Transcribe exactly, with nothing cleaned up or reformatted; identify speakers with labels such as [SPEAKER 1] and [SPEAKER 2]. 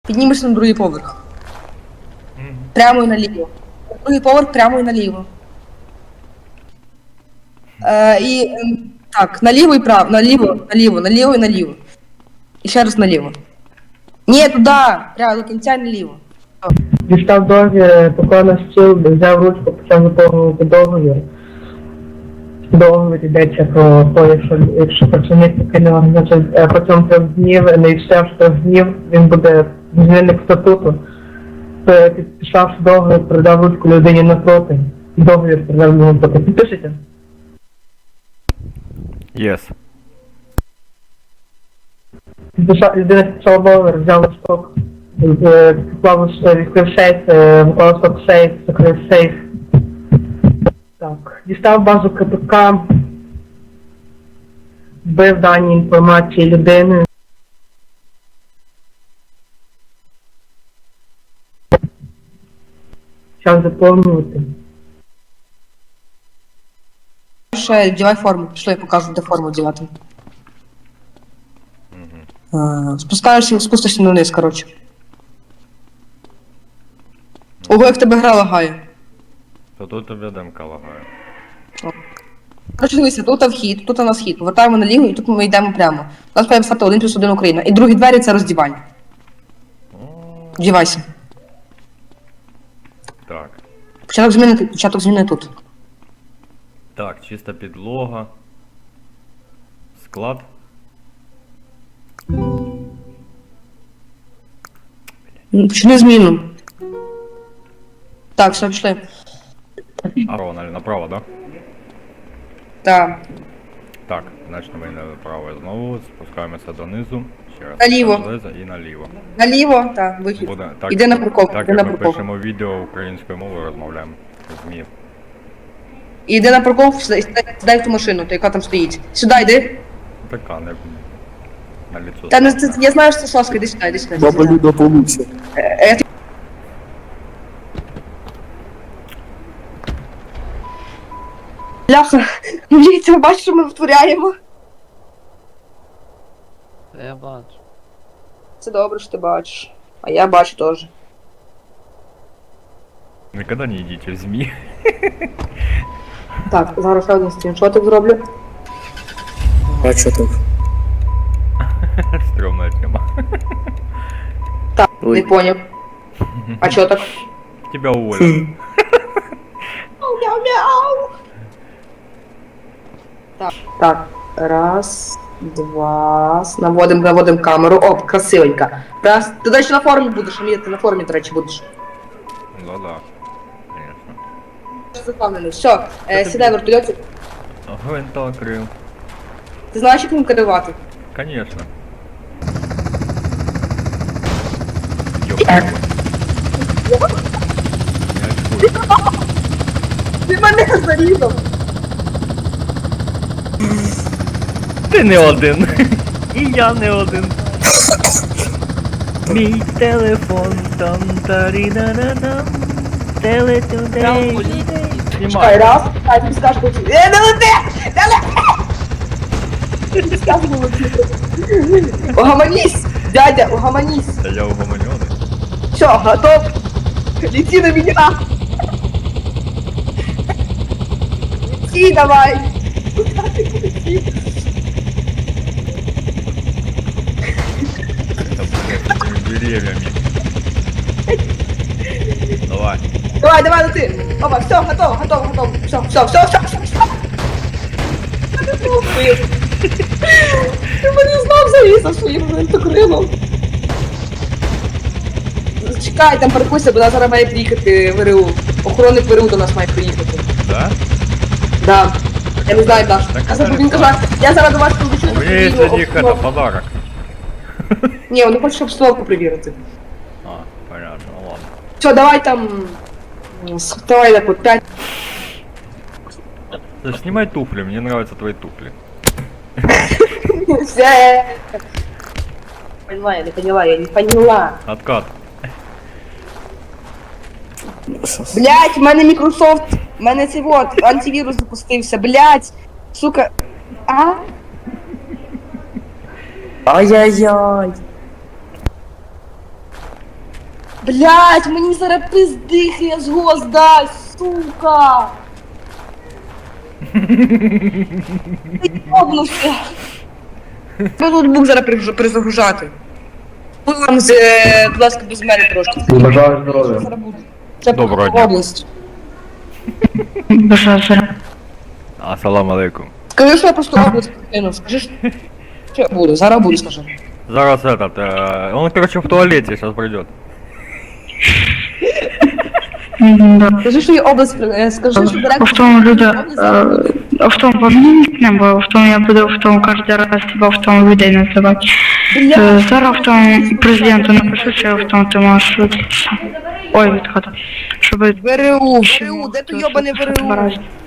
[SPEAKER 1] Піднімешся на другий поверх. Прямо і наліво. На другий поверх прямо і наліво. Е, і ем, так, наліво і право, наліво, наліво, наліво і наліво. І ще раз наліво. Ні, туди, прямо до кінця і наліво.
[SPEAKER 2] Дістав договір, поклав на стіл, взяв ручку, почав заповнювати договір. Договір йдеться про те, якщо, якщо працівник покине організацію е, протягом трьох днів, не відстоявши трьох днів, він буде змінник статуту. То підписавши договір, передав ручку людині напроти. Договір передав йому напроти. Підпишете?
[SPEAKER 3] Yes.
[SPEAKER 2] Підписав, людина підписала договір, взяв листок, е, поклав, відкрив сейф, е, поклав листок в сейф, закрив сейф. Так, дістав базу КПК, вбив дані інформації людини. Час заповнювати.
[SPEAKER 1] Ще вдівай форму, пішли, я покажу, де форму вдівати. Е, Спускаєшся, спустишся вниз, коротше. Ого, як в тебе гра лагає.
[SPEAKER 3] То тут тобі демка лагає.
[SPEAKER 1] Коротше, дивися, тут вхід, тут у нас хід. Повертаємо наліво і тут ми йдемо прямо. У нас має стати один плюс один Україна. І другі двері це роздівання. Вдівайся.
[SPEAKER 3] Так.
[SPEAKER 1] Початок зміни тут, початок зміни тут.
[SPEAKER 3] Так, чиста підлога. Склад.
[SPEAKER 1] Почни зміну. Так, все, пішли.
[SPEAKER 3] А, Рональд, направо, да?
[SPEAKER 1] Так.
[SPEAKER 3] Так, значить ми направо знову, спускаємося донизу. Ще раз.
[SPEAKER 1] Наліво.
[SPEAKER 3] Залезо і наліво.
[SPEAKER 1] Наліво, так, вихід.
[SPEAKER 3] Буде, так,
[SPEAKER 1] Іди на парковку,
[SPEAKER 3] Так,
[SPEAKER 1] іди
[SPEAKER 3] як
[SPEAKER 1] на
[SPEAKER 3] ми
[SPEAKER 1] парковку.
[SPEAKER 3] пишемо відео українською мовою, розмовляємо з ЗМІ.
[SPEAKER 1] Іди на парковку, сідай, сідай, сідай в ту машину, то яка там стоїть. Сюди йди.
[SPEAKER 3] Така, не... На лицо.
[SPEAKER 1] Та не, це, я знаю, що це Соска, іди сюди, іди сюди.
[SPEAKER 4] Баба Люда получше.
[SPEAKER 1] Е, е, ти- Бляха, міліція, бачиш, що ми втворяємо?
[SPEAKER 5] Та я бачу.
[SPEAKER 1] Це добре, що ти бачиш. А я бачу теж.
[SPEAKER 3] Никогда не йдіть в ЗМІ.
[SPEAKER 1] Так, зараз ще один скріншотик зроблю.
[SPEAKER 4] А что так?
[SPEAKER 3] Стрёмная тема.
[SPEAKER 1] Так,
[SPEAKER 4] Ой.
[SPEAKER 1] не поняв. А чо так?
[SPEAKER 3] Тебя уволят.
[SPEAKER 1] Мяу-мяу. Так, так, раз, два, наводим, наводим камеру, оп, красивенько. Раз, ти далі на формі будеш, Амір, ти на формі, до речі, будеш.
[SPEAKER 3] Да-да. Конечно.
[SPEAKER 1] Запевнений, все, е, сідай в вертольоті.
[SPEAKER 3] Гвинта крил.
[SPEAKER 1] Ти знаєш, як ним керувати?
[SPEAKER 3] Конечно. Ёбаный. Не очкуй.
[SPEAKER 1] Ти мене зарізав.
[SPEAKER 3] Ти не один. І я не один. Мій телефон там тарі-на-на-на. Телетюдей.
[SPEAKER 1] Чекай,
[SPEAKER 3] Знімай.
[SPEAKER 1] раз, дай тобі скажу, коли... Е, не лети! Не лети! Тобі скажу, коли лети. Угомонісь, дядя, угомонісь.
[SPEAKER 3] Та я угомонёный.
[SPEAKER 1] Все, готов? Лети на меня! Лети давай!
[SPEAKER 3] Там, блядь, с этими деревьями. Давай.
[SPEAKER 1] Давай, давай, лети! Опа, все, готов, готов, готов. Все, все, все, все, все, все. Ти мені знов зарізав своїм винтокрином. Чекай, там паркуйся, бо нас зараз має приїхати ВРУ. Охоронник ВРУ до нас має приїхати.
[SPEAKER 3] Да?
[SPEAKER 1] Да. Я не знаю, Даш.
[SPEAKER 3] Так,
[SPEAKER 1] Я зараз
[SPEAKER 3] так,
[SPEAKER 1] він
[SPEAKER 3] так.
[SPEAKER 1] каже, я зараз до вас підключу.
[SPEAKER 3] У меня есть для них это подарок.
[SPEAKER 1] Ні, вони хочуть обстановку перевірити.
[SPEAKER 3] А, понятно, ну ладно.
[SPEAKER 1] Все, давай там... м, с- Давай так вот пять.
[SPEAKER 3] Да снимай туфли, мне нравятся твои туфли.
[SPEAKER 1] Все. Поняла, я не поняла, я не поняла.
[SPEAKER 3] Откат.
[SPEAKER 1] Блять, в мене Microsoft, в мене цей вот, антивірус запустився, блять. Сука. А?
[SPEAKER 4] Ай-яй-яй.
[SPEAKER 1] Блять, мені зараз пиздихи з голос дасть, сука! Ти йобнувся! Ми ноутбук зараз перегру- перезагружати. Будь вам, з, е, будь ласка, без мене трошки.
[SPEAKER 2] Бажаю здоров'я.
[SPEAKER 1] Зараз буде. Це
[SPEAKER 3] Доброго
[SPEAKER 1] по
[SPEAKER 3] дня.
[SPEAKER 1] область.
[SPEAKER 5] Бажаю здоров'я.
[SPEAKER 3] Ассаламу алейкум.
[SPEAKER 1] Скажи, що я просто область покину. Скажи, що що я буду. Зараз буду, скажи.
[SPEAKER 3] Зараз этот, э, он, короче, в туалете сейчас придет.
[SPEAKER 5] М, Да.
[SPEAKER 1] Скажи, що є область, е, скажи, що директор...
[SPEAKER 5] В тому люди,
[SPEAKER 1] область зараз буде.
[SPEAKER 5] е, в тому помініть, бо в тому я буду в тому кожен раз тебе в тому людей називати.
[SPEAKER 1] Бля,
[SPEAKER 5] Е, Зараз в тому президенту напишу, що в тому ти можеш виключитися. Ой, відходи. Щоб...
[SPEAKER 1] ВРУ, ВРУ, де то йобане ВРУ?
[SPEAKER 5] Баразі.